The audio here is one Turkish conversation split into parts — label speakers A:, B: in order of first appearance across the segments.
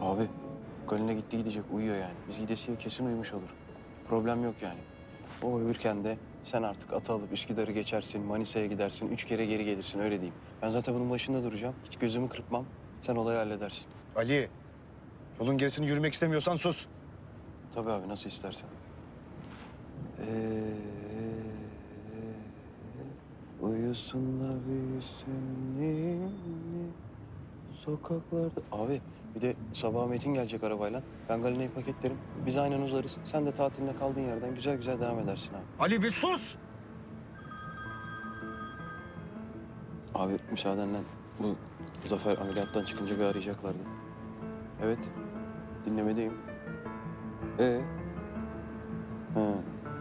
A: Abi Galina gitti gidecek uyuyor yani. Biz gidesiye kesin uyumuş olur. Problem yok yani. O uyurken de sen artık atı alıp Üsküdar'ı geçersin, Manisa'ya gidersin, 3 kere geri gelirsin öyle diyeyim. Ben zaten bunun başında duracağım. Hiç gözümü kırpmam. Sen olayı halledersin.
B: Ali, yolun gerisini yürümek istemiyorsan sus.
A: Tabii abi nasıl istersen. Uyusun da büyüsün ninni sokaklarda. Abi bir de sabah Metin gelecek arabayla. Ben Galina'yı paketlerim. Biz aynen uzarız. Sen de tatiline kaldığın yerden güzel güzel devam edersin abi.
B: Ali bir sus!
A: Abi müsaadenle bu Zafer ameliyattan çıkınca bir arayacaklardı. Evet. Dinlemedeyim. Ha.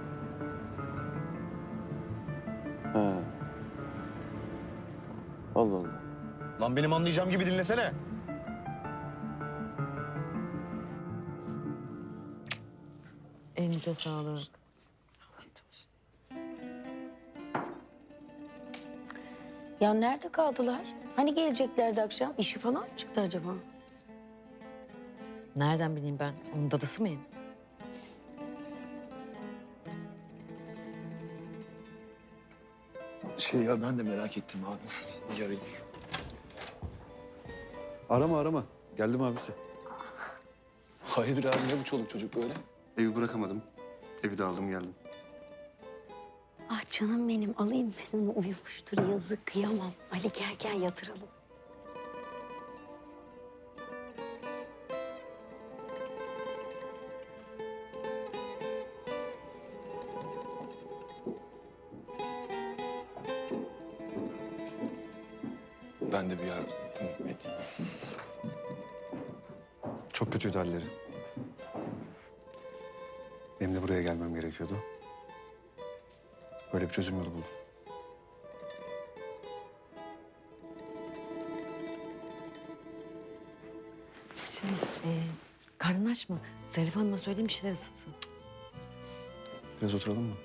A: Ha. Allah Allah.
B: Lan benim anlayacağım gibi dinlesene.
C: Elinize sağlık. Afiyet olsun.
D: Ya nerede kaldılar? Hani geleceklerdi akşam? İşi falan mı çıktı acaba?
C: Nereden bileyim ben? Onun dadısı mıyım?
E: Ya ben de merak ettim abi. Bir arayayım.
F: Arama. Geldim abisi.
E: Hayırdır abi ne bu çoluk çocuk böyle?
F: Evi bırakamadım. Evi de aldım geldim.
D: Ah canım benim alayım ben onu uyumuştur yazık kıyamam. Ali gel yatıralım.
E: Ben de bir yardım edeyim.
F: Çok kötüydü halleri. Benim de buraya gelmem gerekiyordu. Böyle bir çözüm yolu buldum.
C: Karnın aç mı? Zarif Hanım'a söyleyeyim bir şeyler ısıtsın.
F: Biraz oturalım mı?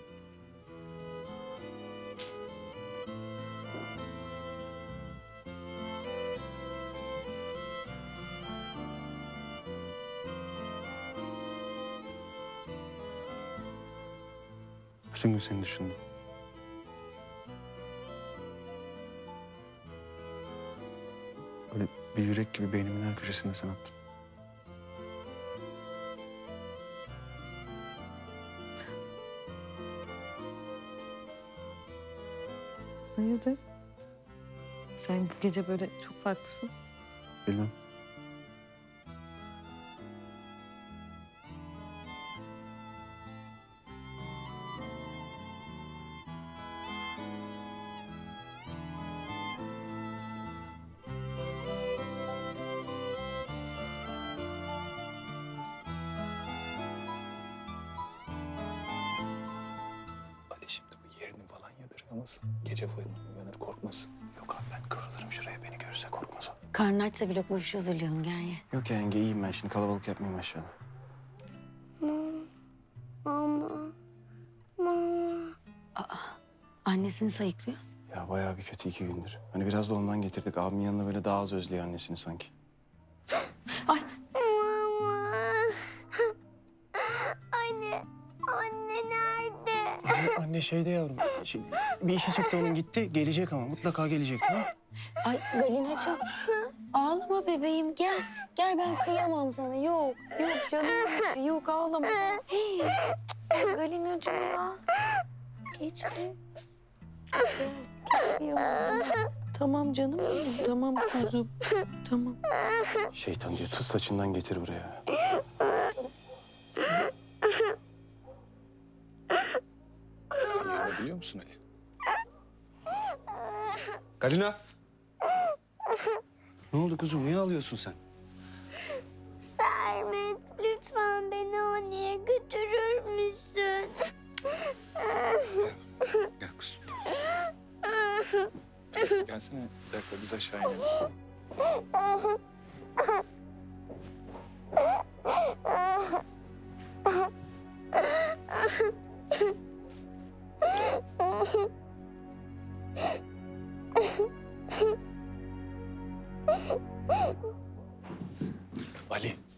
F: Bütün gün seni düşündüm. Böyle bir yürek gibi beynimin her köşesinde sen attın.
C: Hayırdır? Sen bu gece böyle çok farklısın.
F: Bilmem.
E: Ali şimdi bu yerini falan yadırgamasın. Gece uyanır korkmasın.
A: Yok abi ben kıvrılırım şuraya beni görürse korkmaz o.
D: Karnı açsa bir lokma bir şey hazırlayalım gel ye.
A: Yok ya yenge iyiyim ben şimdi kalabalık yapmayayım aşağıda.
D: Annesini sayıklıyor.
A: Ya bayağı bir kötü 2 gündür. Hani biraz da ondan getirdik. Abimin yanına böyle daha az özlüyor annesini sanki.
D: Ay
G: Anne nerede?
A: Anne şeyde yavrum. Bir işi çıktı onun gitti. Gelecek ama mutlaka gelecek tamam mı?
D: ay Galinacığım. Ağlama bebeğim gel. Gel ben kıyamam sana. Yok canım. Yok ağlama. Hey, Galinacığım ya. Geçti. Gel, gel. Tamam canım benim. Tamam kuzum. Tamam.
A: Şeytan diye tut saçından getir buraya.
E: Sen yerini biliyor musun Ali?
F: Galina! Ne oldu kuzum? Niye ağlıyorsun sen?
G: Sermet, lütfen beni anneye götürür müsün?
E: Gel kuzum. Gelsene bir dakika biz aşağı inelim. Ali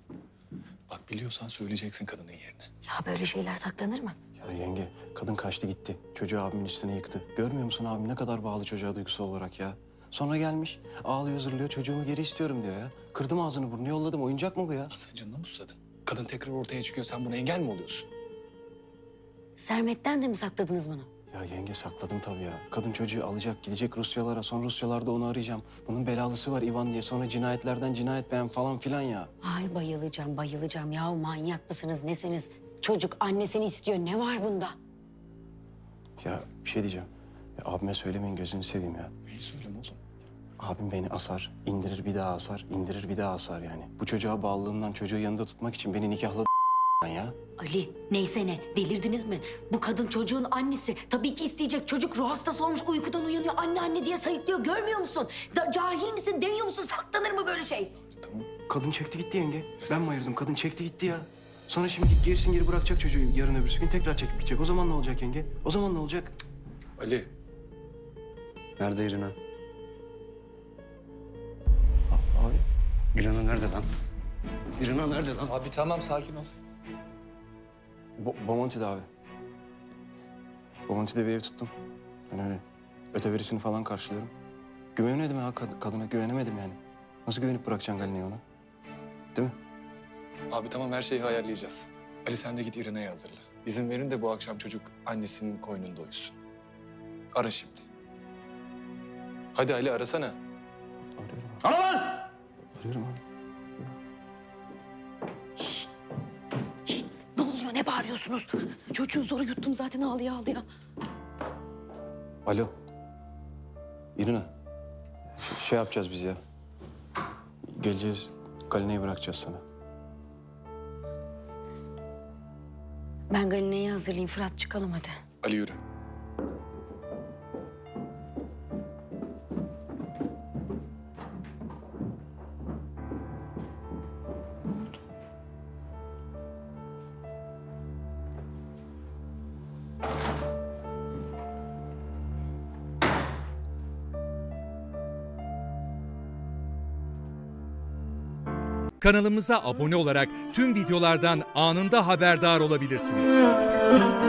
E: Biliyorsan söyleyeceksin kadının yerini.
D: Ya böyle şeyler saklanır mı?
A: Ya yenge, kadın kaçtı gitti. Çocuğu abimin üstüne yıktı. Görmüyor musun abim ne kadar bağlı çocuğa duygusal olarak ya? Sonra gelmiş, ağlıyor zırlıyor, çocuğumu geri istiyorum diyor ya. Kırdım ağzını burnunu yolladım, oyuncak mı bu ya?
E: Lan sen canına mı susadın? Kadın tekrar ortaya çıkıyor, sen buna engel mi oluyorsun?
D: Sermet'ten de mi sakladınız bunu?
A: Ya yenge sakladım tabii ya. Kadın çocuğu alacak, gidecek Rusyalara. Sonra Rusyalarda onu arayacağım. Bunun belalısı var Ivan diye. Sonra cinayetlerden cinayet beğen falan filan ya.
D: Ay bayılacağım, bayılacağım. Ya manyak mısınız, nesiniz? Çocuk annesini istiyor. Ne var bunda?
A: Ya bir şey diyeceğim. Ya, abime söylemeyin gözünü seveyim ya.
E: Neyi söyleme oğlum?
A: Abim beni asar, indirir bir daha asar, indirir bir daha asar yani. Bu çocuğa bağlılığından çocuğu yanında tutmak için beni nikahladı ya.
D: Ali, neyse ne, delirdiniz mi? Bu kadın çocuğun annesi. Tabii ki isteyecek. Çocuk ruh hastası olmuş, uykudan uyanıyor. Anne anne diye sayıklıyor. Görmüyor musun? Cahil misin, deniyor musun? Saklanır mı böyle şey?
E: Tamam.
A: Kadın çekti gitti yenge. Ben mi ayırdım? Kadın çekti gitti ya. Sonra şimdi gerisin geri bırakacak çocuğu yarın öbürsü gün tekrar çekip gidecek. O zaman ne olacak yenge? O zaman ne olacak? Cık.
E: Ali,
F: Nerede İrina?
A: Abi
F: İrina nerede lan? İrina nerede lan?
E: abi tamam sakin ol.
A: Bomonti'de abi. Bomonti'de bir ev tuttum. Ben öyle öteverisini falan karşılıyorum. Güvenemedim ya kadına, güvenemedim yani. Nasıl güvenip bırakacaksın Galina'yı ona? Değil mi?
E: Abi tamam her şeyi ayarlayacağız. Ali sen de git İrene'yi hazırla. İzin verin de bu akşam çocuk annesinin koynunda uyusun. Ara şimdi. Hadi Ali arasana.
A: Arıyorum.
F: Ana lan!
A: Arıyorum abi.
C: Ne oluyor, ne bağırıyorsunuz? Çocuğu zor yuttum zaten ağlaya ağlaya.
A: Alo. İrina. Şey yapacağız biz ya. Geleceğiz, Galina'yı bırakacağız sana.
D: Ben Galina'yı hazırlayayım. Fırat çıkalım hadi.
E: Ali yürü.
H: Kanalımıza abone olarak tüm videolardan anında haberdar olabilirsiniz.